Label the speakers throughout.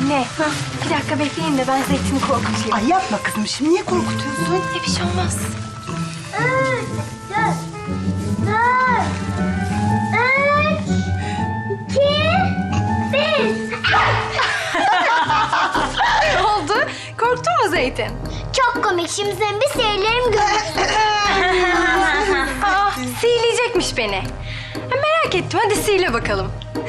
Speaker 1: Anne, bir dakika bekleyin de ben Zeytin'i korkutayım.
Speaker 2: Ay yapma kızım, şimdi niye korkutuyorsun?
Speaker 1: Bir şey olmaz.
Speaker 3: 3, 2, 1.
Speaker 1: Ne oldu? Korktun mu Zeytin?
Speaker 3: Çok komik. Şimdi senin bir seyirlerim görürsün.
Speaker 1: Aa, sihirleyecekmiş beni. Ha, merak ettim, hadi sihirle bakalım.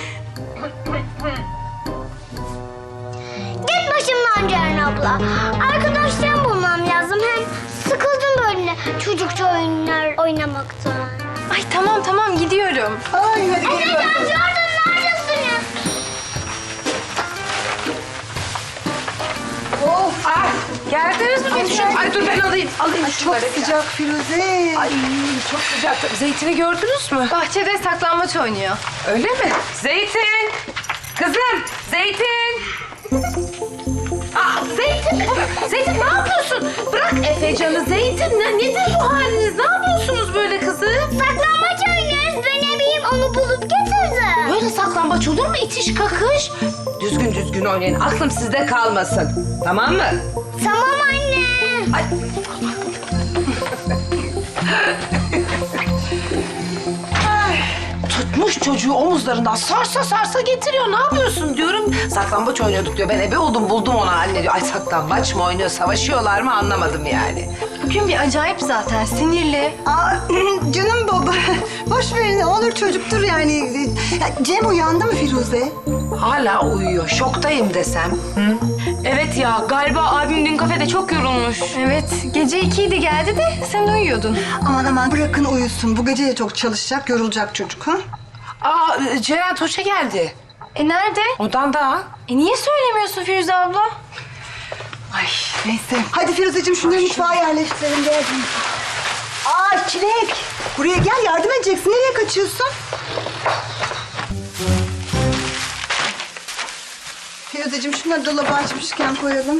Speaker 3: Git başımdan Ceren abla. Arkadaşlarımı bulmam lazım. Hem sıkıldım böyle çocukça oyunlar oynamaktan.
Speaker 1: Ay tamam gidiyorum.
Speaker 2: Ay hadi gelin
Speaker 3: Efecan,
Speaker 2: bakalım.
Speaker 3: Jordan neredesiniz?
Speaker 2: Of!
Speaker 4: Ay, geldiniz mi? Ay dur ben alayım
Speaker 2: Ay, çok sıcak Firuze.
Speaker 4: Ay çok sıcak. Zeytin'i gördünüz mü?
Speaker 1: Bahçede saklambaç oynuyor.
Speaker 4: Öyle mi? Zeytin! Kızım! Zeytin! Aa, Zeytin! Zeytin ne yapıyorsun? Bırak Efecan'ı Zeytin. Nedir bu haliniz? Ne yapıyorsunuz böyle kızım?
Speaker 3: Saklambaç oynuyoruz. Ben ebeyim, onu bulup getirdim.
Speaker 4: Böyle saklambaç olur mu? İtiş kakış. Düzgün oynayın. Aklım sizde kalmasın. Tamam mı?
Speaker 3: Tamam anne.
Speaker 4: Ay. Ay, tutmuş çocuğu omuzlarından sarsa getiriyor. Ne yapıyorsun diyorum. Saklambaç oynuyorduk diyor. Ben ebe oldum buldum onu anne diyor. Ay saklambaç mı oynuyor, savaşıyorlar mı anlamadım yani.
Speaker 1: Bugün bir acayip zaten, sinirli.
Speaker 2: Aa, canım baba, boş verin, olur çocuktur yani. Ya, Cem uyandı mı Firuze?
Speaker 4: Hala uyuyor. Şoktayım desem. Hı?
Speaker 5: Evet ya, galiba abim dün kafede çok yorulmuş.
Speaker 1: Evet, gece 2'ydi geldi de sen uyuyordun.
Speaker 2: Aman bırakın uyusun. Bu gece de çok çalışacak, yorulacak çocuk ha?
Speaker 4: Aa, Ceren Toş'a geldi.
Speaker 1: Nerede?
Speaker 4: Odanda.
Speaker 1: Niye söylemiyorsun Firuze abla?
Speaker 2: Ay neyse. Hadi Firuzeciğim şunları mutfağa yerleştirelim. Gel. Aa Çilek. Buraya gel, yardım edeceksin. Nereye kaçıyorsun? Firuzeciğim şunları dolaba açmışken koyalım.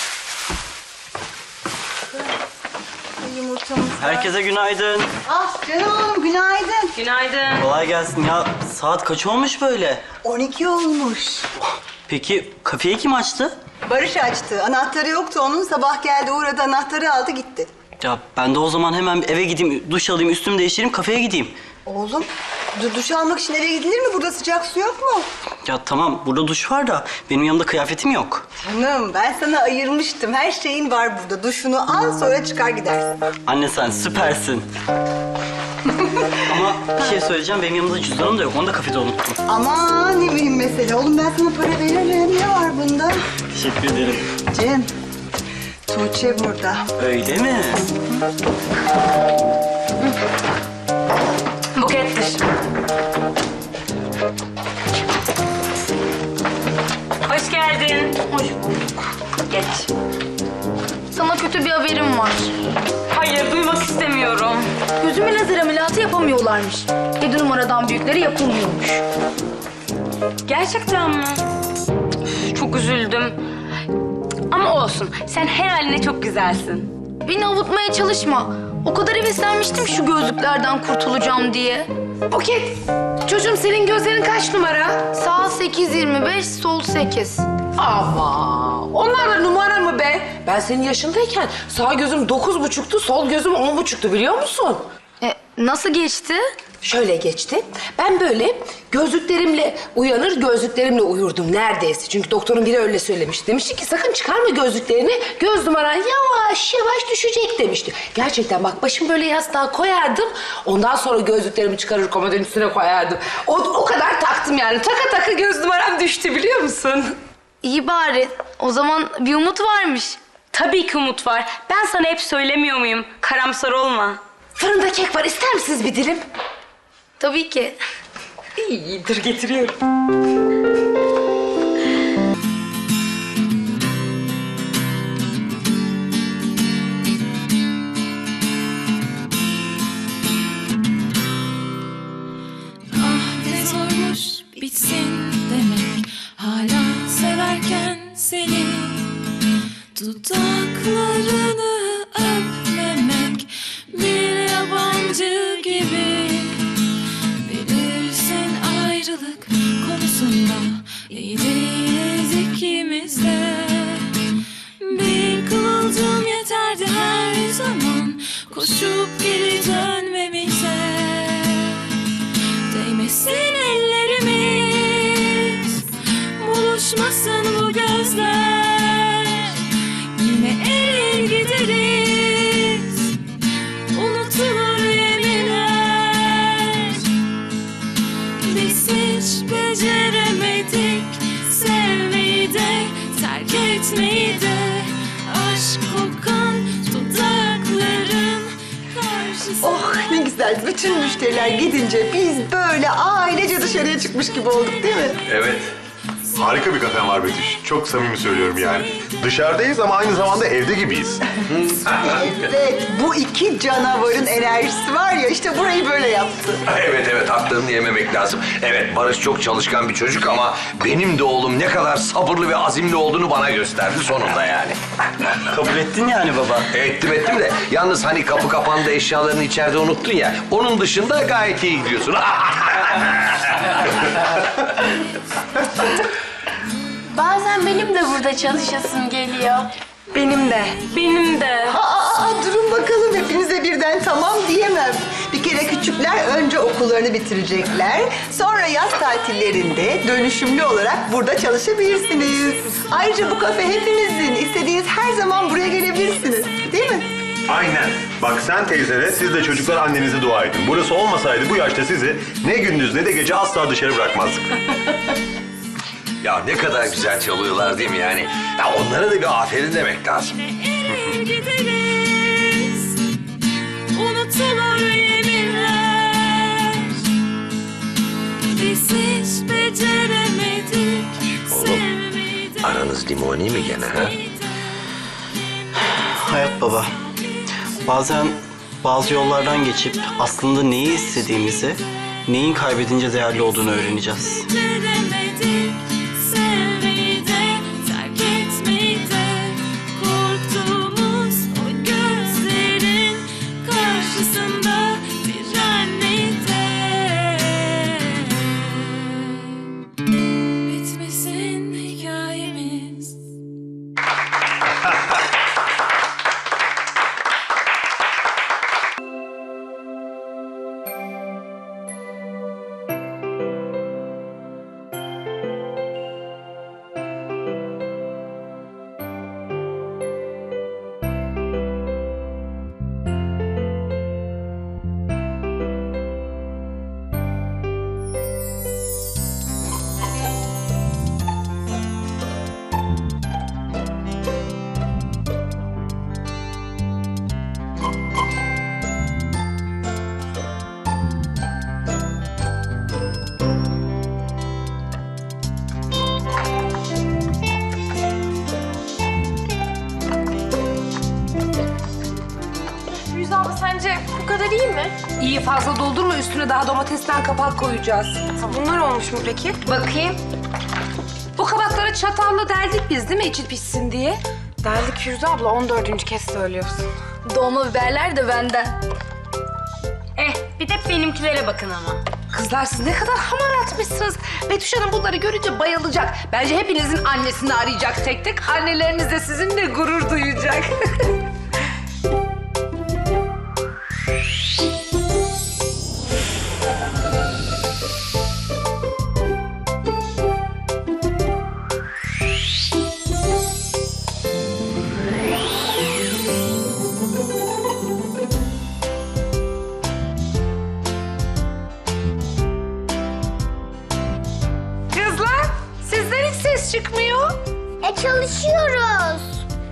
Speaker 2: Yumurtamız var.
Speaker 6: Herkese günaydın.
Speaker 2: Ah canım oğlum, günaydın.
Speaker 5: Günaydın.
Speaker 6: Kolay gelsin. Ya saat kaç olmuş böyle?
Speaker 2: 12 olmuş.
Speaker 6: Peki kafeyi kim açtı?
Speaker 2: Barış açtı. Anahtarı yoktu onun. Sabah geldi, uğradı, anahtarı aldı gitti.
Speaker 6: Ya ben de o zaman hemen eve gideyim, duş alayım, üstümü değiştireyim, kafeye gideyim.
Speaker 2: Oğlum, duş almak için eve gidilir mi? Burada sıcak su yok mu?
Speaker 6: Ya tamam, burada duş var da benim yanımda kıyafetim yok.
Speaker 2: Canım, ben sana ayırmıştım. Her şeyin var burada. Duşunu al, sonra çıkar gidersin.
Speaker 6: Anne sen süpersin. Ama bir şey söyleyeceğim, benim yanımda cüzdanım da yok, onu da kafede unuttum.
Speaker 2: Aman ne mühim mesele. Oğlum ben sana para veririm. Ne var bunda?
Speaker 6: Teşekkür ederim.
Speaker 2: Cem, Tuğçe burada.
Speaker 6: Öyle mi?
Speaker 5: Bukettir. Hoş geldin.
Speaker 1: Hoş bulduk.
Speaker 5: Geç.
Speaker 1: Sana kötü bir haberim var.
Speaker 5: Hayır, duymak istemiyorum.
Speaker 1: Gözüme lazer ameliyatı yapamıyorlarmış. 7 numaradan büyükleri yapılmıyormuş.
Speaker 5: Gerçekten mi? Üf, çok üzüldüm. Ama olsun, sen her haline çok güzelsin.
Speaker 1: Beni avutmaya çalışma. O kadar heveslenmiştim şu gözlüklerden kurtulacağım diye.
Speaker 4: Buket, çocuğum senin gözlerin kaç numara?
Speaker 1: Sağ 8.25, sol 8.
Speaker 4: Ama onlar da numara mı be? Ben senin yaşındayken sağ gözüm 9,5'tu, sol gözüm 10,5'tu biliyor musun?
Speaker 1: Nasıl geçti?
Speaker 4: Şöyle geçti. Ben böyle gözlüklerimle uyanır, gözlüklerimle uyurdum neredeyse. Çünkü doktorun biri öyle söylemişti. Demişti ki sakın çıkarma gözlüklerini. Göz numaran yavaş düşecek demişti. Gerçekten bak başımı böyle yastığa koyardım. Ondan sonra gözlüklerimi çıkarır komodinin üstüne koyardım. O kadar taktım yani. Taka göz numaram düştü biliyor musun?
Speaker 1: İyi bari. O zaman bir umut varmış.
Speaker 5: Tabii ki umut var. Ben sana hep söylemiyor muyum? Karamsar olma.
Speaker 4: Fırında kek var. İster misiniz bir dilim?
Speaker 1: Tabii ki.
Speaker 4: İyidir getiriyorum.
Speaker 7: Ah ne zormuş bitsin demek, hala severken seni, dudaklarını öpmemek bir yabancı gibi. Bilirsin ayrılık konusunda iyi değiliz ikimiz kavuşup geri dönmemize. Değmesin ellerimiz, buluşmasın bu gözler. Yine erir gideriz, unutulur yeminler. Biz hiç beceremedik sevmeyi de, terk etmeyi de. Aşk kokan dudakların karşısında.
Speaker 2: Oh ne güzel. Bütün müşteriler gidince biz böyle ailece dışarıya çıkmış gibi olduk değil mi?
Speaker 8: Evet. Harika bir kafen var Betüş. Çok samimi söylüyorum yani. Dışarıdayız ama aynı zamanda evde gibiyiz.
Speaker 2: Evet. Bu iki canavarın enerjisi var ya işte burayı böyle yaptı.
Speaker 9: Evet, haklarını yememek lazım. Evet, Barış çok çalışkan bir çocuk ama benim de oğlum ne kadar sabırlı ve azimli olduğunu bana gösterdi sonunda yani.
Speaker 6: Kabul ettin yani baba.
Speaker 9: Ettim de yalnız hani kapı kapandı eşyalarını içeride unuttun ya. Onun dışında gayet iyi gidiyorsun.
Speaker 5: Bazen benim de burada çalışasım geliyor.
Speaker 1: Benim de.
Speaker 5: Benim de.
Speaker 2: Durun bakalım hepinize birden tamam diyemem. Bir kere küçükler önce okullarını bitirecekler. Sonra yaz tatillerinde dönüşümlü olarak burada çalışabilirsiniz. Ayrıca bu kafe hepinizin. İstediğiniz her zaman buraya gelebilirsiniz. Değil mi?
Speaker 8: Aynen. Bak sen teyzene, siz de çocuklar annenize dua edin. Burası olmasaydı bu yaşta sizi ne gündüz ne de gece asla dışarı bırakmazdık.
Speaker 9: Ya ne kadar güzel çalıyorlar değil mi yani? Ya onlara da bir aferin demek lazım.
Speaker 7: Erir gideriz, unutulur yeminler. Biz hiç beceremedik sevmeyi de.
Speaker 9: Aranız limoni mi gene ha?
Speaker 6: Hayat baba. Bazen bazı yollardan geçip aslında neyi istediğimizi, neyin kaybedince değerli olduğunu öğreneceğiz.
Speaker 7: Beceremedik sevmeyi de, terk etmeyi de. Korktuğumuz o gözlerin karşısında direnmeyi de. Bitmesin hikayemiz.
Speaker 1: Firuze abla sence bu kadar iyi mi?
Speaker 4: İyi, fazla doldurma, üstüne daha domatesten kapak koyacağız.
Speaker 1: Bunlar olmuş mu peki?
Speaker 4: Bakayım. Bu kabakları çatalla deldik biz değil mi, içi pişsin diye?
Speaker 1: Deldik Firuze abla 14. kez söylüyorsun.
Speaker 5: Dolma biberler de benden. Bir de benimkilere bakın ama.
Speaker 4: Kızlar siz ne kadar hamar atmışsınız. Betüş Hanım bunları görünce bayılacak. Bence hepinizin annesini arayacak tek tek. Anneleriniz de sizinle gurur duyacak. Kızlar sizden hiç ses çıkmıyor.
Speaker 3: Çalışıyoruz.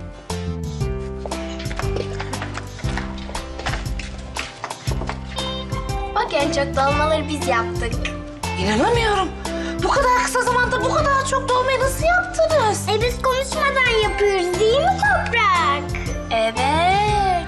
Speaker 3: Bak en çok dolmaları biz yaptık.
Speaker 4: İnanamıyorum. Bu kadar kısa zamanda bu kadar çok dolmayı nasıl yaptınız?
Speaker 3: Biz konuşmadan yapıyoruz değil mi Toprak? Evet.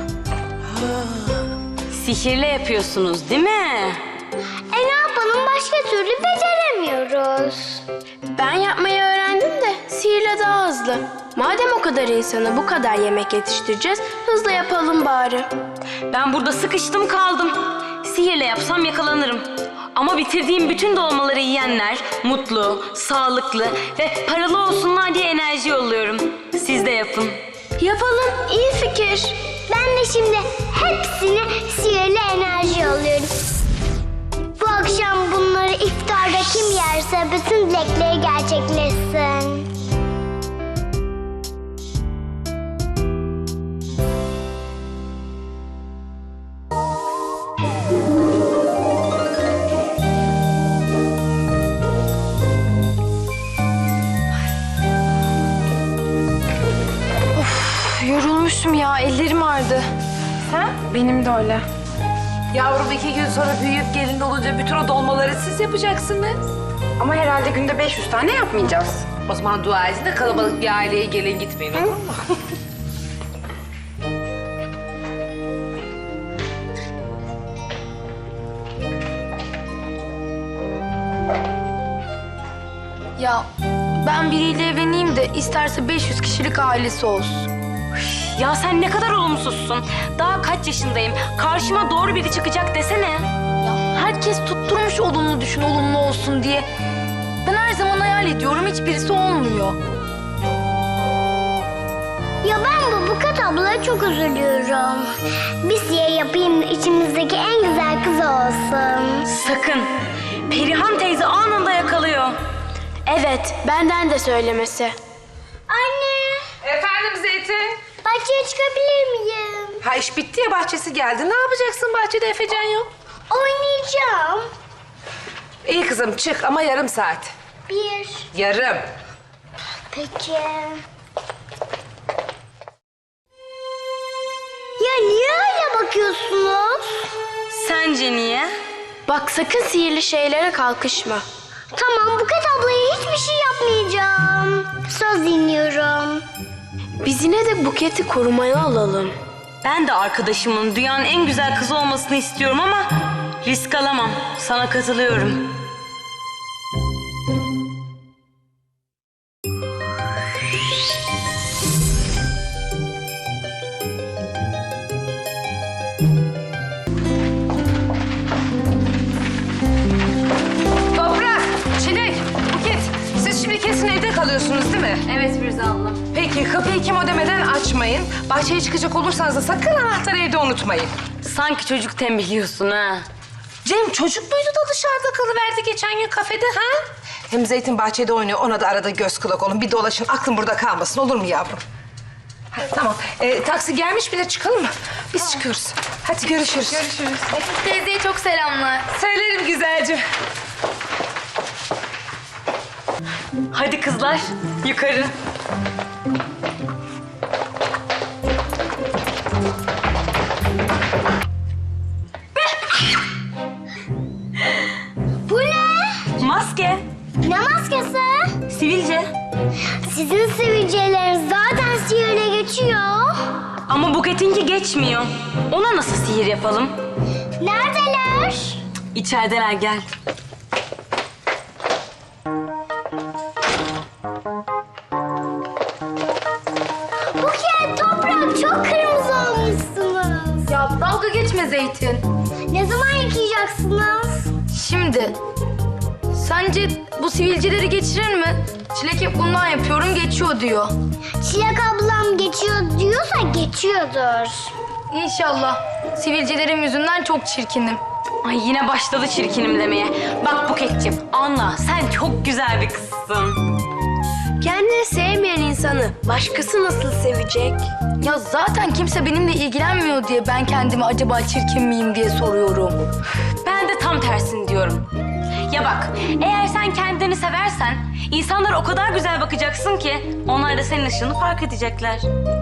Speaker 5: Sihirle yapıyorsunuz değil mi?
Speaker 3: Ne yapalım başka türlü beceremiyoruz.
Speaker 10: Ben yapmayı öğrendim de sihirle daha hızlı. Madem o kadar insana bu kadar yemek yetiştireceğiz, hızlı yapalım bari.
Speaker 5: Ben burada sıkıştım kaldım. Sihirle yapsam yakalanırım. Ama bitirdiğim bütün dolmaları yiyenler mutlu, sağlıklı ve paralı olsunlar diye enerji yolluyorum. Siz de yapın.
Speaker 10: Yapalım. İyi fikir.
Speaker 3: Ben de şimdi hepsine sihirli enerji alıyorum. Bu akşam bunları iftarda kim yerse bütün dilekleri gerçekleşsin.
Speaker 1: Yorulmuşum ya, ellerim ağrıdı. Sen? Benim de öyle.
Speaker 4: Yavrum 2 gün sonra büyüyüp gelin olunca bütün o dolmaları siz yapacaksınız.
Speaker 1: Ama herhalde günde 500 tane yapmayacağız.
Speaker 4: O zaman dua edin de kalabalık bir aileye gelin gitmeyin, olur mu?
Speaker 10: Ya ben biriyle evleneyim de isterse 500 kişilik ailesi olsun.
Speaker 5: Ya sen ne kadar olumsuzsun. Daha kaç yaşındayım. Karşıma doğru biri çıkacak desene.
Speaker 10: Ya herkes tutturmuş olumlu düşün, olumlu olsun diye. Ben her zaman hayal ediyorum, hiçbirisi olmuyor.
Speaker 3: Ya ben bu Buket ablaya çok üzülüyorum. Bir siye yapayım da içimizdeki en güzel kız olsun.
Speaker 5: Sakın. Perihan teyze anında yakalıyor.
Speaker 10: Evet, benden de söylemesi.
Speaker 3: Anne,
Speaker 4: Efendim Zeytin?
Speaker 3: bahçeye çıkabilir miyim?
Speaker 4: Ha iş bitti ya, bahçesi geldi. Ne yapacaksın bahçede, Efecan yok?
Speaker 3: Oynayacağım.
Speaker 4: İyi kızım çık ama yarım saat.
Speaker 3: 1.
Speaker 4: Yarım.
Speaker 3: Peki. Ya niye öyle bakıyorsunuz?
Speaker 5: Sence niye?
Speaker 10: Bak sakın sihirli şeylere kalkışma.
Speaker 3: Tamam, Buket ablaya hiçbir şey yapmayacağım. Söz dinliyorum.
Speaker 10: Biz yine de Buket'i korumaya alalım.
Speaker 5: Ben de arkadaşımın dünyanın en güzel kızı olmasını istiyorum ama risk alamam. Sana katılıyorum.
Speaker 4: Toprak, Çilek, Buket. Siz şimdi kesin evde kalıyorsunuz değil mi?
Speaker 5: Evet Firuze abla.
Speaker 4: Peki kapıyı kim ödemeden açmayın. Bahçeye çıkacak olursanız da sakın anahtarı evde unutmayın.
Speaker 5: Sanki çocuk tembihliyorsun ha.
Speaker 4: Cem çocuk muydu da dışarıda kalıverdi geçen gün kafede ha? Hem Zeytin bahçede oynuyor, ona da arada göz kulak olun. Bir dolaşın, aklın burada kalmasın, olur mu yavrum? Ha, tamam, taksi gelmiş bile, çıkalım mı? Biz çıkıyoruz. Hadi görüşürüz. Görüşürüz.
Speaker 10: Teyzeye çok selamlar.
Speaker 4: Söylerim güzelce.
Speaker 5: Hadi kızlar yukarı.
Speaker 3: Bu ne?
Speaker 5: Maske.
Speaker 3: Ne maskesi?
Speaker 5: Sivilce.
Speaker 3: Sizin sivilceleriniz zaten sihirle geçiyor.
Speaker 5: Ama Buket'inki geçmiyor. Ona nasıl sihir yapalım?
Speaker 3: Neredeler?
Speaker 5: İçerideler, gel.
Speaker 3: Buket, Toprak çok kırmızı olmuşsunuz.
Speaker 10: Ya dalga geçme Zeytin.
Speaker 3: Ne zaman yıkayacaksınız?
Speaker 10: Şimdi, sence bu sivilceleri geçirir mi? Çilek hep bundan yapıyorum, geçiyor diyor.
Speaker 3: Çilek ablam geçiyor diyorsa geçiyordur.
Speaker 10: İnşallah. Sivilcelerim yüzünden çok çirkinim.
Speaker 5: Ay yine başladı çirkinim demeye. Bak Buket'ciğim anla, sen çok güzel bir kızsın.
Speaker 10: Kendini sevmeyen insanı başkası nasıl sevecek? Ya zaten kimse benimle ilgilenmiyor diye ben kendimi acaba çirkin miyim diye soruyorum.
Speaker 5: Ben de tam tersini diyorum. Ya bak, eğer sen kendini seversen insanlara o kadar güzel bakacaksın ki onlar da senin ışığını fark edecekler.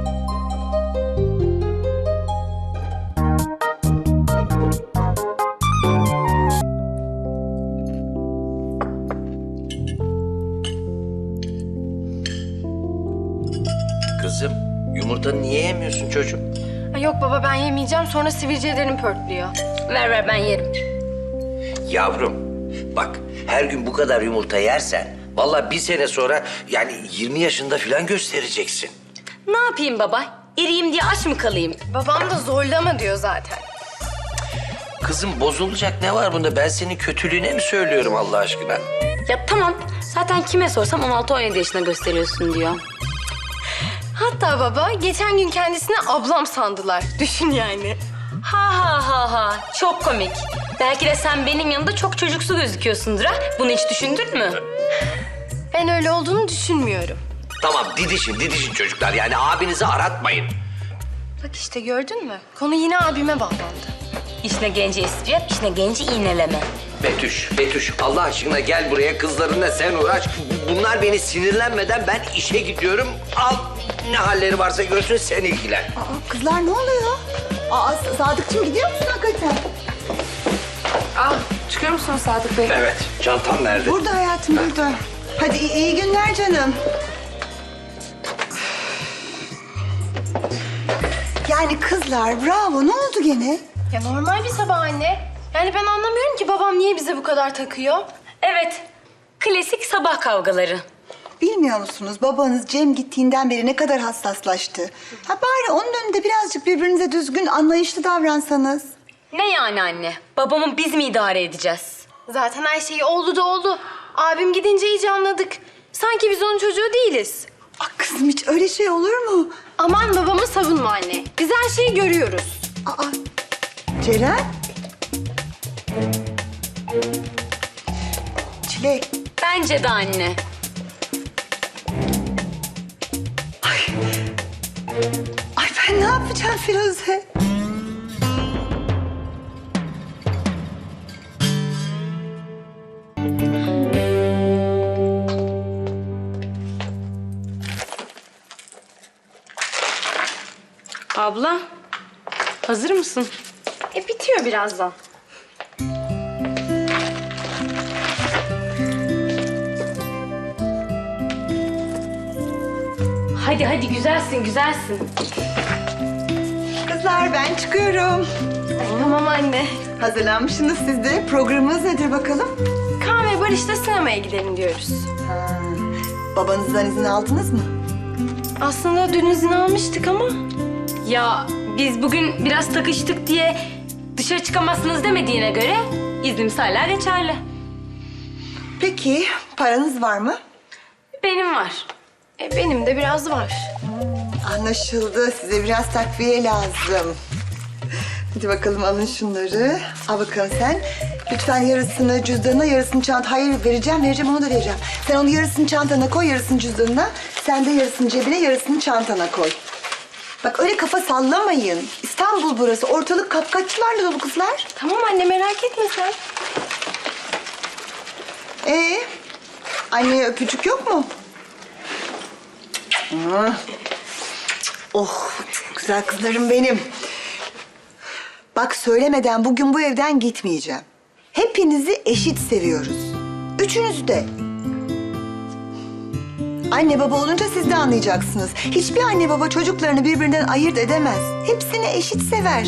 Speaker 9: Kızım, yumurtanı niye yemiyorsun çocuğum?
Speaker 10: Ay yok baba ben yemeyeceğim sonra sivilcelerim pörtlüyor.
Speaker 5: Ver ben yerim.
Speaker 9: Yavrum, bak her gün bu kadar yumurta yersen... ...vallahi bir sene sonra yani 20 yaşında falan göstereceksin.
Speaker 5: Ne yapayım baba? İriyim diye aç mı kalayım?
Speaker 10: Babam da zorlama diyor zaten.
Speaker 9: Kızım bozulacak ne var bunda? Ben senin kötülüğüne mi söylüyorum Allah aşkına?
Speaker 5: Ya tamam, zaten kime sorsam 16-17 yaşında gösteriyorsun diyor.
Speaker 1: Hatta baba geçen gün kendisine ablam sandılar. Düşün yani.
Speaker 5: Ha. Çok komik. Belki de sen benim yanımda çok çocuksu gözüküyorsundur ha. Bunu hiç düşündün mü?
Speaker 1: Ben öyle olduğunu düşünmüyorum.
Speaker 9: Tamam didişin çocuklar. Yani abinizi aratmayın.
Speaker 1: Bak işte gördün mü? Konu yine abime bağlandı.
Speaker 5: İşine gelince espri, işine gelince iğneleme.
Speaker 9: Betüş Allah aşkına gel buraya, kızlarınla sen uğraş. Bunlar beni sinirlenmeden ben işe gidiyorum. Al ne halleri varsa görsün, sen ilgilen.
Speaker 2: Aa, kızlar ne oluyor? Aa, Sadıkçım gidiyor musun hakikaten?
Speaker 4: Çıkıyor musun Sadık Bey?
Speaker 9: Evet, çantam nerede?
Speaker 2: Burada hayatım, burada. Hadi iyi günler canım. Yani kızlar bravo, ne oldu gene?
Speaker 1: Ya normal bir sabah anne. Yani ben anlamıyorum ki babam niye bize bu kadar takıyor.
Speaker 5: Evet, klasik sabah kavgaları.
Speaker 2: Bilmiyor musunuz babanız Cem gittiğinden beri ne kadar hassaslaştı? Ha bari onun önünde birazcık birbirinize düzgün, anlayışlı davransanız.
Speaker 5: Ne yani anne? Babamı biz mi idare edeceğiz?
Speaker 1: Zaten her şey oldu da oldu. Abim gidince iyice anladık. Sanki biz onun çocuğu değiliz.
Speaker 2: Ah kızım hiç öyle şey olur mu?
Speaker 1: Aman babamı savunma anne. Biz her şeyi görüyoruz.
Speaker 2: Aa, Ceren? Çilek.
Speaker 5: Bence de anne.
Speaker 2: Ay ben ne yapacağım Firuze?
Speaker 5: Abla, hazır mısın?
Speaker 1: Bitiyor birazdan.
Speaker 5: Hadi güzelsin.
Speaker 2: Kızlar ben çıkıyorum.
Speaker 1: Tamam anne.
Speaker 2: Hazırlanmışsınız siz de. Programınız nedir bakalım?
Speaker 1: Kaan ve Barış'la sinemaya gidelim diyoruz.
Speaker 2: Babanızdan izin aldınız mı?
Speaker 1: Aslında dün izin almıştık ama...
Speaker 5: Ya biz bugün biraz takıştık diye dışarı çıkamazsınız demediğine göre iznimiz hala geçerli.
Speaker 2: Peki paranız var mı?
Speaker 5: Benim var.
Speaker 1: Benim de biraz var.
Speaker 2: Anlaşıldı. Size biraz takviye lazım. Hadi bakalım alın şunları. Al bakalım sen. Lütfen yarısını cüzdanına, yarısını çanta... Hayır vereceğim onu da vereceğim. Sen onu yarısını çantana koy, yarısını cüzdanına. Sen de yarısını cebine, yarısını çantana koy. Bak öyle kafa sallamayın. İstanbul burası. Ortalık kapkaççılarla dolu kızlar.
Speaker 1: Tamam anne merak etme sen.
Speaker 2: Anneye öpücük yok mu? Oh, çok güzel kızlarım benim. Bak söylemeden bugün bu evden gitmeyeceğim. Hepinizi eşit seviyoruz. Üçünüzü de. Anne baba olunca siz de anlayacaksınız. Hiçbir anne baba çocuklarını birbirinden ayırt edemez. Hepsini eşit sever.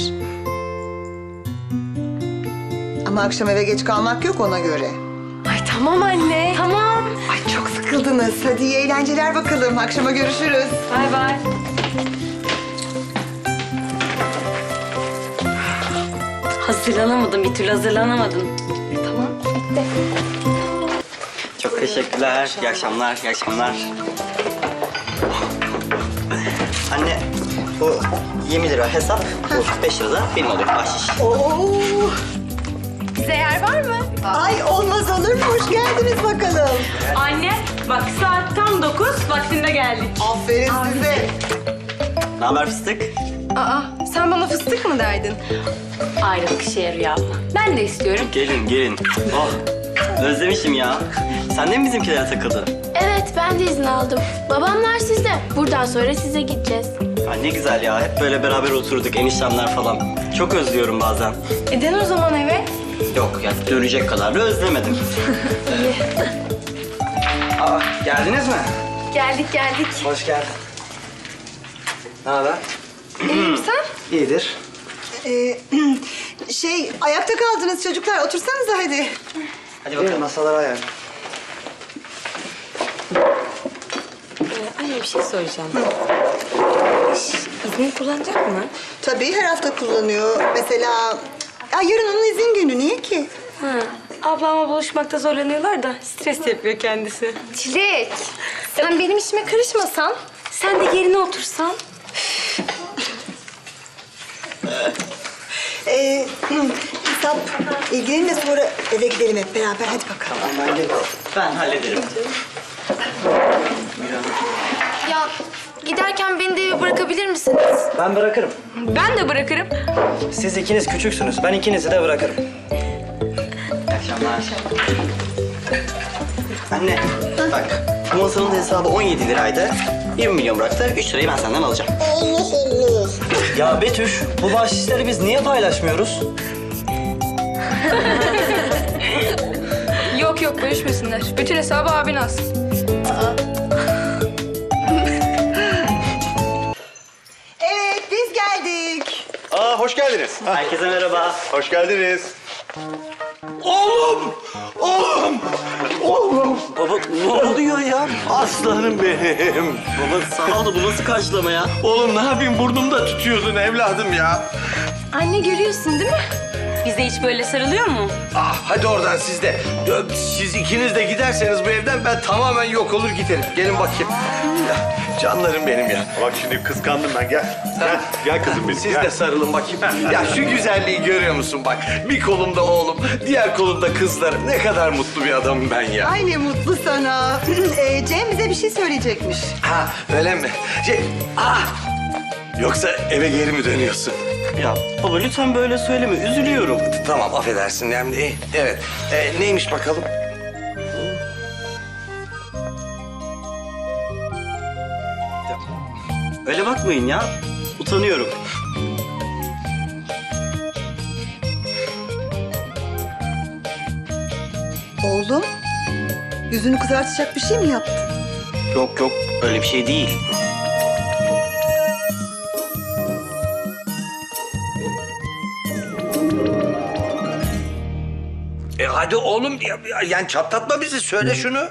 Speaker 2: Ama akşam eve geç kalmak yok ona göre.
Speaker 1: Ay tamam anne.
Speaker 5: Tamam.
Speaker 2: Ay çok sıkıldınız. Hadi iyi eğlenceler bakalım. Akşama görüşürüz.
Speaker 5: Bay. Hazırlanamadım, bir türlü hazırlanamadım.
Speaker 6: Çok teşekkürler. İyi akşamlar. Anne, bu 20 lira hesap, bu 45 lira da benim olur bahşiş.
Speaker 2: Oo.
Speaker 1: Bize yer var mı?
Speaker 2: Ay olmaz olur mu? Hoş geldiniz bakalım.
Speaker 5: Anne, bak saat tam 9, vaktinde geldik.
Speaker 2: Aferin size.
Speaker 6: Ne haber fıstık?
Speaker 1: Aa sen bana fıstık mı derdin?
Speaker 5: Ayrılık işe yarıyor abla. Ben de istiyorum.
Speaker 6: Gelin. Oh, özlemişim ya. Sen de mi bizimkilere takıldın?
Speaker 10: Evet ben de izin aldım. Babamlar sizde. Buradan sonra size gideceğiz.
Speaker 6: Ya ne güzel ya. Hep böyle beraber oturduk, eniştemler falan. Çok özlüyorum bazen.
Speaker 1: Dön o zaman eve.
Speaker 6: Yok ya, dönecek kadar da özlemedim. Aa, geldiniz mi?
Speaker 1: Geldik.
Speaker 6: Hoş geldin. Ne haber?
Speaker 1: İyiyim sen?
Speaker 6: İyidir.
Speaker 2: Ayakta kaldınız çocuklar. Otursanıza hadi.
Speaker 6: Hadi bakalım masalara ayarla.
Speaker 5: Anne bir şey soracağım. İzni kullanacak mı?
Speaker 2: Tabii her hafta kullanıyor. Mesela yarın onun izin günü. Niye ki?
Speaker 5: Ablamla buluşmakta zorlanıyorlar da stres yapıyor kendisi.
Speaker 1: Çilek sen benim işime karışmasan
Speaker 5: Sen de yerine otursan.
Speaker 2: Hesap ilgilenin de sonra eve gidelim hep beraber. Hadi bakalım.
Speaker 6: Ben hallederim.
Speaker 10: Ya giderken beni de eve bırakabilir misiniz?
Speaker 11: Ben bırakırım.
Speaker 5: Ben de bırakırım.
Speaker 11: Siz ikiniz küçüksünüz. Ben ikinizi de bırakırım.
Speaker 6: İyi akşamlar. Anne, bak bu masanın hesabı 17 liraydı. 20 milyon bıraktı. 3 lirayı ben senden alacağım.
Speaker 11: Ya Betüş, bu bahşişleri biz niye paylaşmıyoruz?
Speaker 10: Yok yok bölüşmesinler. Bütün hesabı abin alsın.
Speaker 2: Evet, biz geldik.
Speaker 8: Aa, hoş geldiniz.
Speaker 6: Herkese merhaba.
Speaker 8: Hoş geldiniz.
Speaker 9: Oğlum! Oğlum! Oğlum!
Speaker 6: Baba ne oluyor ya?
Speaker 9: Aslanım benim.
Speaker 6: Baba sağ ol da bu nasıl karşılama ya?
Speaker 9: Oğlum ne yapayım burnumda tutuyordun evladım ya.
Speaker 1: Anne görüyorsun değil mi?
Speaker 5: Bize hiç böyle sarılıyor mu?
Speaker 9: Ah hadi oradan siz de. Siz ikiniz de giderseniz bu evden ben tamamen yok olur giderim. Gelin bakayım. Ya, canlarım benim ya.
Speaker 8: Bak şimdi kıskandım ben. Gel. Gel kızım benim.
Speaker 9: Siz
Speaker 8: gel.
Speaker 9: de sarılın bakayım. Ya şu güzelliği görüyor musun bak. Bir kolumda oğlum, diğer kolumda kızlarım. Ne kadar mutlu bir adamım ben ya.
Speaker 2: Ay ne mutlu sana. Cem bize bir şey söyleyecekmiş.
Speaker 9: Ha öyle mi? Yoksa eve geri mi dönüyorsun?
Speaker 6: Ya baba lütfen böyle söyleme. Üzülüyorum.
Speaker 9: Tamam affedersin yani. Evet. Neymiş bakalım?
Speaker 6: Öyle bakmayın ya. Utanıyorum.
Speaker 2: Oğlum, yüzünü kızartacak bir şey mi yaptın?
Speaker 6: Yok yok öyle bir şey değil.
Speaker 9: Hadi oğlum yani çatlatma bizi söyle şunu.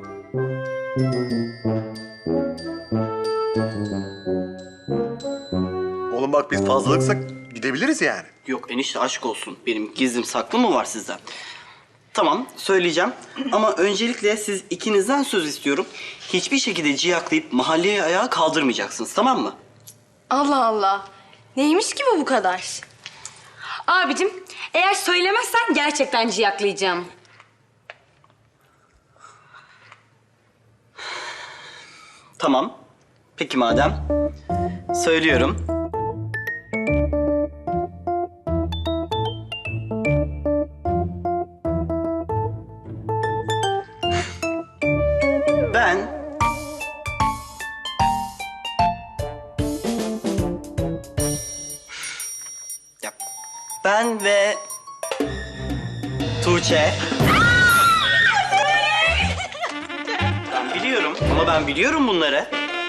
Speaker 8: Oğlum bak biz fazlalıksak gidebiliriz yani.
Speaker 6: Yok enişte aşk olsun. Benim gizlim saklı mı var sizden? Tamam söyleyeceğim ama öncelikle siz ikinizden söz istiyorum. Hiçbir şekilde ciyaklayıp mahalleye ayağa kaldırmayacaksınız tamam mı?
Speaker 1: Allah Allah. Neymiş ki bu kadar?
Speaker 5: Abicim eğer söylemezsen gerçekten ciyaklayacağım.
Speaker 6: Tamam. Peki madem. Söylüyorum. Ben Ben ve Tuğçe. Ben biliyorum ama ben biliyorum bunları.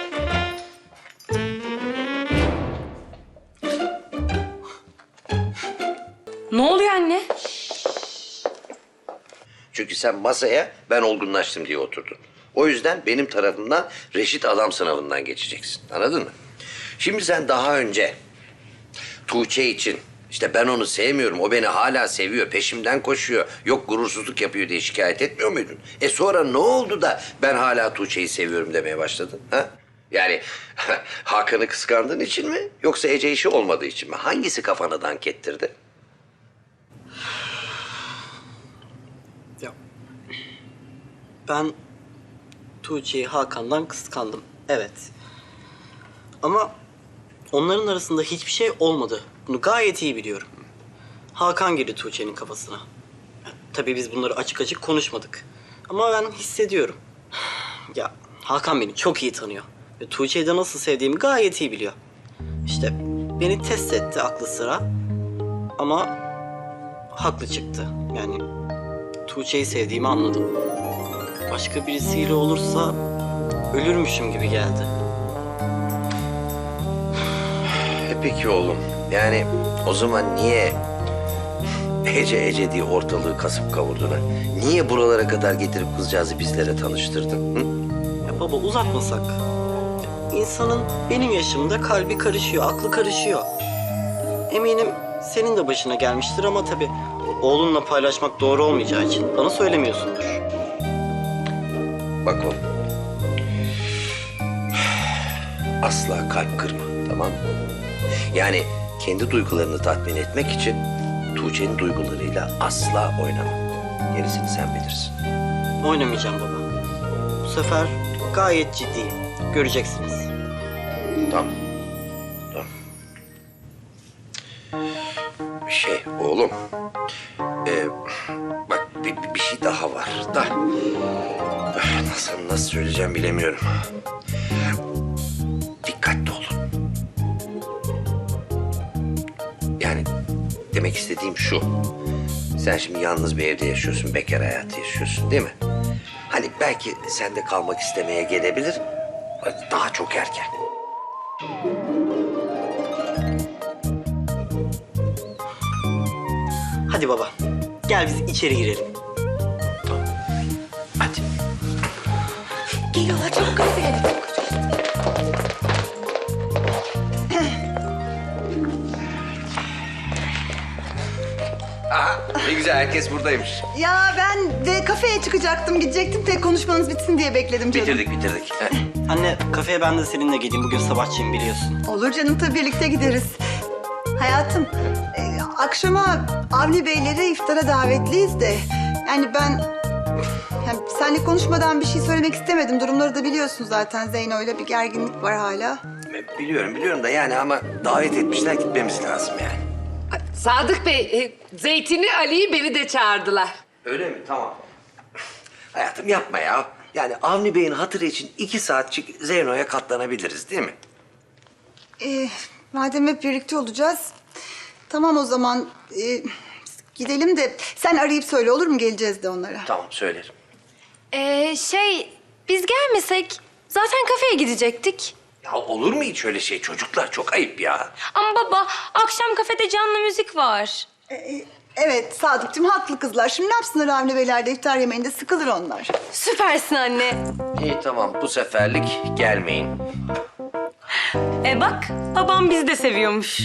Speaker 5: Ne oluyor anne?
Speaker 9: Çünkü sen masaya ben olgunlaştım diye oturdun. O yüzden benim tarafımdan reşit adam sınavından geçeceksin. Anladın mı? Şimdi sen daha önce Tuğçe için işte ben onu sevmiyorum, o beni hala seviyor, peşimden koşuyor, yok gurursuzluk yapıyor diye şikayet etmiyor muydun? Sonra ne oldu da ben hala Tuğçe'yi seviyorum demeye başladın? Ha? Yani Hakan'ı kıskandığın için mi yoksa Ece işi olmadığı için mi? Hangisi kafana dank ettirdi?
Speaker 6: Ben Tuğçe'yi Hakan'dan kıskandım. Evet. Ama onların arasında hiçbir şey olmadı. Bunu gayet iyi biliyorum. Hakan girdi Tuğçe'nin kafasına. Tabii biz bunları açık açık konuşmadık. Ama ben hissediyorum. Ya Hakan beni çok iyi tanıyor. Ve Tuğçe'yi de nasıl sevdiğimi gayet iyi biliyor. İşte beni test etti aklı sıra. Ama haklı çıktı. Yani Tuğçe'yi sevdiğimi anladım. Başka birisiyle olursa ölürmüşüm gibi geldi.
Speaker 9: Peki oğlum. Yani o zaman niye Ece diye ortalığı kasıp kavurdun ha? Niye buralara kadar getirip kızcağızı bizlere tanıştırdın? Hı?
Speaker 6: Ya baba uzatmasak. İnsanın benim yaşımda kalbi karışıyor, aklı karışıyor. Eminim senin de başına gelmiştir ama tabii oğlunla paylaşmak doğru olmayacağı için bana söylemiyorsundur.
Speaker 9: Bak oğlum. asla kalp kırma, tamam mı? Yani kendi duygularını tatmin etmek için Tuğçe'nin duygularıyla asla oynama. Gerisini sen bilirsin.
Speaker 6: Oynamayacağım baba. Bu sefer gayet ciddiyim. Göreceksiniz.
Speaker 9: Tamam. Tamam. Oğlum. Bak bir şey daha var da. Nasıl söyleyeceğim bilemiyorum. Dikkatli olun. Yani demek istediğim şu. Sen şimdi yalnız bir evde yaşıyorsun, bekar hayatı yaşıyorsun değil mi? Hani belki sen de kalmak istemeye gelebilir. Daha çok erken.
Speaker 6: Hadi baba. Gel biz içeri girelim.
Speaker 9: Hadi.
Speaker 4: Geliyorlar çabuk hadi.
Speaker 9: Aha, ne güzel herkes buradaymış.
Speaker 2: Ya ben de kafeye çıkacaktım, gidecektim. Tek konuşmanız bitsin diye bekledim canım.
Speaker 9: Bitirdik.
Speaker 6: Anne kafeye ben de seninle geleyim. Bugün sabahçıyım biliyorsun.
Speaker 2: Olur canım, tabii birlikte gideriz. Hayatım, akşama Avni Beylere iftara davetliyiz de. Yani ben seninle konuşmadan bir şey söylemek istemedim. Durumları da biliyorsun zaten. Zeyno'yla bir gerginlik var hala.
Speaker 9: Biliyorum da yani ama davet etmişler, gitmemiz lazım yani.
Speaker 4: Sadık Bey, Zeytin'i, Ali'yi beni de çağırdılar.
Speaker 9: Öyle mi? Tamam. Hayatım yapma ya. Yani Avni Bey'in hatırı için 2 saatçik Zeyno'ya katlanabiliriz değil mi?
Speaker 2: Madem hep birlikte olacağız. Tamam o zaman gidelim de sen arayıp söyle, olur mu? Geleceğiz de onlara.
Speaker 9: Tamam söylerim.
Speaker 1: Biz gelmesek zaten kafeye gidecektik.
Speaker 9: Ya olur mu hiç öyle şey? Çocuklar çok ayıp ya.
Speaker 5: Ama baba akşam kafede canlı müzik var.
Speaker 2: Evet Sadıkçım, haklı kızlar. Şimdi ne yapsınlar Avni Beyler'de iftar yemeğinde? Sıkılır onlar.
Speaker 1: Süpersin anne.
Speaker 9: İyi tamam, bu seferlik gelmeyin.
Speaker 5: Bak babam bizi de seviyormuş.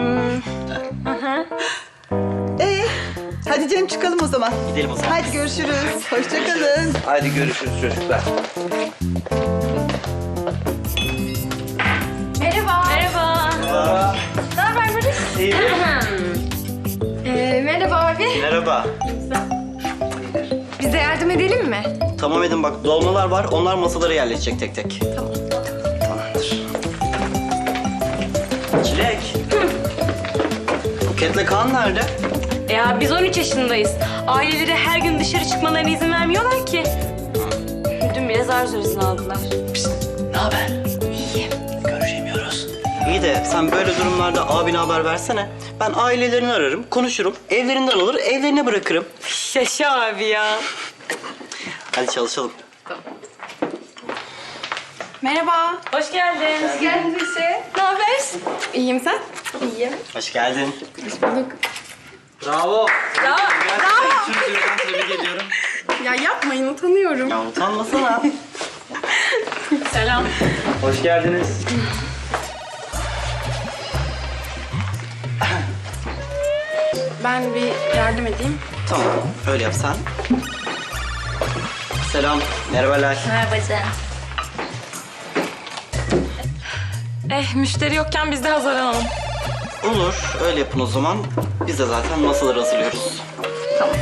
Speaker 2: Hadi Cem, çıkalım o zaman.
Speaker 6: Gidelim o zaman.
Speaker 2: Hadi görüşürüz. Hoşça kalın.
Speaker 9: Hadi görüşürüz çocuklar.
Speaker 1: Merhaba.
Speaker 5: Merhaba.
Speaker 1: Ne haber Barış?
Speaker 6: İyi.
Speaker 1: Merhaba abi.
Speaker 6: Merhaba.
Speaker 1: Bize yardım edelim mi?
Speaker 6: Tamam Edin bak dolmalar var. Onlar masalara yerleşecek tek tek. Tamamdır. Çilek. Buket'le Kaan nerede?
Speaker 5: Ya biz 13 yaşındayız. Aileleri her gün dışarı çıkmalarına izin vermiyorlar ki. Dün bile zar zor izin aldılar.
Speaker 6: Ne haber? İyi. Görüşemiyoruz. İyi de sen böyle durumlarda abine haber versene. Ben ailelerini ararım, konuşurum. Evlerinden alır, evlerine bırakırım.
Speaker 5: Yaşa abi ya.
Speaker 6: Hadi çalışalım.
Speaker 1: Merhaba.
Speaker 5: Hoş geldin.
Speaker 1: Geldin Büşe. Ne haber? İyiyim sen? İyiyim.
Speaker 6: Hoş geldin.
Speaker 11: Bravo.
Speaker 5: Ya,
Speaker 11: Türkiye'den tebrik ediyorum.
Speaker 1: Ya yapmayın, utanıyorum.
Speaker 6: Ya utanmasana.
Speaker 5: selam.
Speaker 11: Hoş geldiniz.
Speaker 1: Ben bir yardım edeyim.
Speaker 6: Tamam, öyle yap sen. Selam, merhabalar.
Speaker 5: Merhaba Can. Müşteri yokken biz de hazırlanalım.
Speaker 6: Olur, öyle yapın o zaman. Biz de zaten masaları hazırlıyoruz.
Speaker 5: Tamam.